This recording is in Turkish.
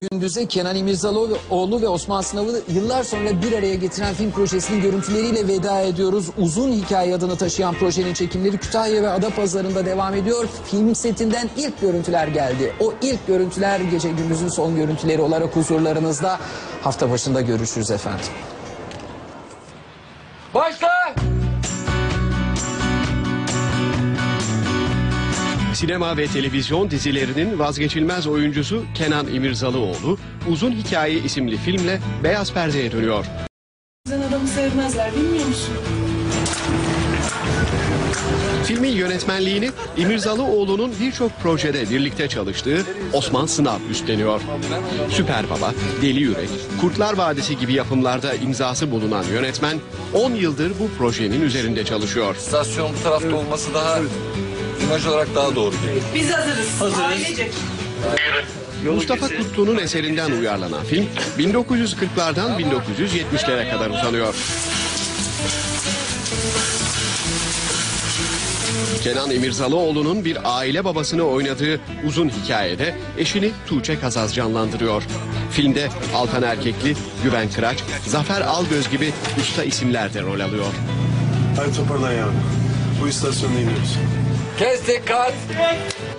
Gündüz'e Kenan İmirzalıoğlu ve Osman Sınav'ı yıllar sonra bir araya getiren film projesinin görüntüleriyle veda ediyoruz. Uzun Hikaye adını taşıyan projenin çekimleri Kütahya ve Adapazarı'nda devam ediyor. Film setinden ilk görüntüler geldi. O ilk görüntüler Gece Gündüz'ün son görüntüleri olarak huzurlarınızda. Hafta başında görüşürüz efendim. Başla! Sinema ve televizyon dizilerinin vazgeçilmez oyuncusu Kenan İmirzalıoğlu, Uzun Hikaye isimli filmle beyaz perdeye dönüyor. Sen adamı sevmezler, bilmiyor musun? Filmin yönetmenliğini İmirzalıoğlu'nun birçok projede birlikte çalıştığı Osman Sınav üstleniyor. Süper Baba, Deli Yürek, Kurtlar Vadisi gibi yapımlarda imzası bulunan yönetmen 10 yıldır bu projenin üzerinde çalışıyor. İstasyon bu tarafta olması daha imaj olarak daha doğru geliyor. Biz hazırız. Ailecek. Mustafa Kutlu'nun eserinden uyarlanan film 1940'lardan 1970'lere kadar uzanıyor. Kenan İmirzalıoğlu'nun bir aile babasını oynadığı Uzun Hikaye'de eşini Tuğçe Kazaz canlandırıyor. Filmde Altan Erkekli, Güven Kıraç, Zafer Algöz gibi usta isimler de rol alıyor. Hadi toparlan yavrum. Bu istasyonda iniyoruz. Kes dikkat!